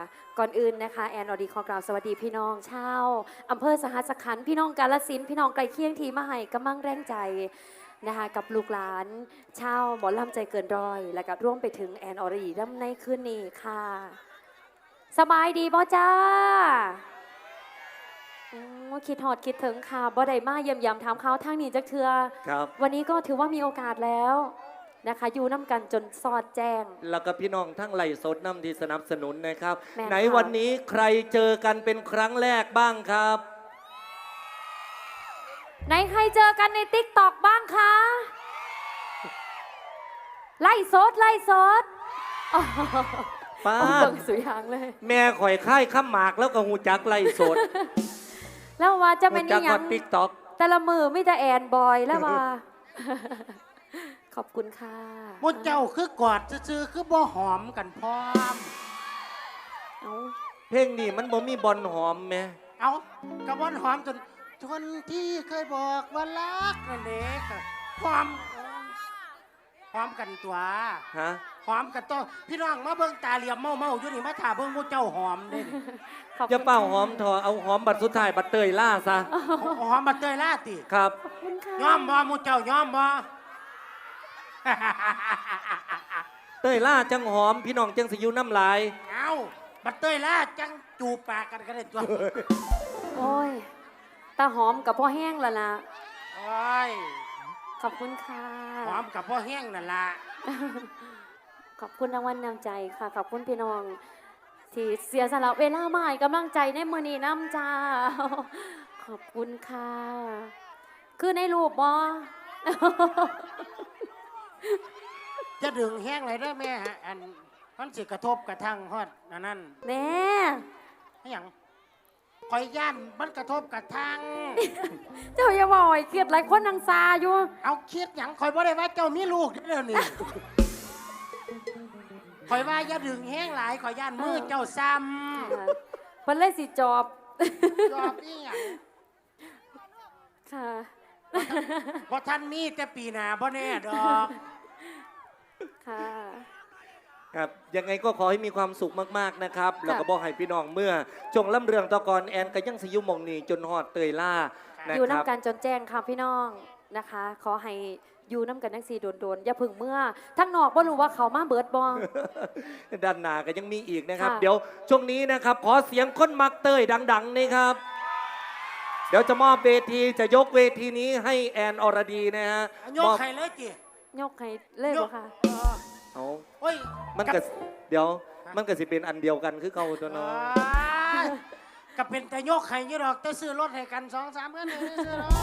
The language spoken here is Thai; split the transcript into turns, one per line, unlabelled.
ก่อนอื่นนะคะแอนอดีขอกล่าวสวัสดีพี่น้องชาวอำเภอสหัสขันธ์พี่น้องกาฬสินธุ์พี่น้องไกลเคียงทีมาให้กำลังแรงใจนะคะกับลูกหลานชาวหมอลำใจเกินร้อย และก็ร่วมไปถึงแอนอรีรำในคืนนี้ค่ะสบายดีบ่จ้าคิดหอดคิดถึงค่ะบ่ได้มาเยี่ยมยามถามเขาทางนี้จักเทือ
ครับ
วันนี้ก็ถือว่ามีโอกาสแล้วนะคะอยู่น้ำกันจนสอดแจ้ง
แล้วก็พี่น้องทั้งไหลสดน้ำที่สนับสนุนนะครับไหน
ค่ะ
วันนี้ใครเจอกันเป็นครั้งแรกบ้างครับ
ไหนใครเจอกันในติ๊กตอกบ้างคะไล่สดไล่สด
ป้า
เบิ่งสุยางเลย
แม่ข่อยค่ายข้ามหมากแล้วก็หูจักไหลสด
แล้วว่าจะ
หู
เป็น
จั
นี่ยัง
ติ๊กต็อก
แต่ละมือไม่จะแอนบอยแล้วว่า ขอบคุณค่ะ
มุเจ้าคือกอดซื่อๆคือบ่หอมกันพร้อม
เอา
เพลงนี้มันบ่มีบอลหอมแม่
เอากระบอนหอมจนที่เคยบอกว่ารักนั่นเด็กหอมกันตัว
ฮะ
หอมกันตัวพี่น้องมาเบิ่งตาเหลี่ยมเมาอยู่นี่มาถ่าเบิ่งมุเจ้าหอมเด้
ขอบ
อย่า
คุณ
เป้าหอมทอเอาหอมบัดสุดท้ายบัดเตยล่าซะ
หอมมาเตยล่าติ
ครับ
ขอบคุณค่ะ
ยอมบ่มุเจ้ายอมบ่
เตยล่าจังหอมพี่น้องจังสิอยู่น้ำลาย
เอาบัดเตยล่าจังจูบปากกันก็ได้ตัว
โอ้ยตาหอมกับพ่อแห้งแล้วล่ะ
โอ้ย
ขอบคุณค่ะ
หอมกับพ่อแห้งนั่นล่ะ
ขอบคุณรางวัลนำใจค่ะ ขอบคุณพี่น้อง ที่เสียสละเวลามาให้กำลังใจในมือนี้น้ำจ้า ขอบคุณค่ะ คือในรูปบอ
จะดึงแห้งเลยได้อแม่อันมันสิกระทบกระทั่งฮอดนั่น
แน่
ให้หยังคอยย่านมันกระทบกระทั่ง
เจ้าอย่าบ่อยเกลียดหลายคนนางซาอยู่
เอาคิดหยังคอยบ่ได้ว่าเจ้ามีลูกเด้อนี่ คอยว่าอย่าดึงแห้งหลายคอยย่านมือเจ้าซ้
เพิ่นเลยสิจอบ
ำจอบนี่หยัง
ค่ะ
บ่ท่านมีแต่ปีหน้าบ่แน่ดอก
ค่ะ
ครับยังไงก็ขอให้มีความสุขมากๆนะครับแล้วก็บอกให้พี่น้องเมื่อจงล่ำเรืองตะกอนแอนก็ยังสิอยุมองนี่จนฮอดเตยล่านะ
อยู่
ครับ
น้ำกันจนแจ้งค่ะพี่น้องนะคะ ขอให้อยู่น้ำกันทั้งสี่โดนๆอย่าพึ่งเมื่อ ทั้งนอกบ่รู้ว่าเขามาเบิดบอง
ด้านหน้าก็ยังมีอีกนะครับ
ค่ะ
เดี๋ยวช่วงนี้นะครับขอเสียงคนมักเตยดังๆนี่ครับ เดี๋ยวจะมอบเวทีจะยกเวทีนี้ให้แอนอรดีนะฮะ
โยกใครเลยจิ
ยกให้เลยบ่ค่ะ
เอา
โอ้ย
มันก็เดี๋ยวมันก็สิเป็นอันเดียวกันคือเขาตัวเน้อง
ก็เป็นแต่โยกใครอยู่ดอกแต่ซื้อรถให้กัน2-3เพื่อนเลยซื้อรถ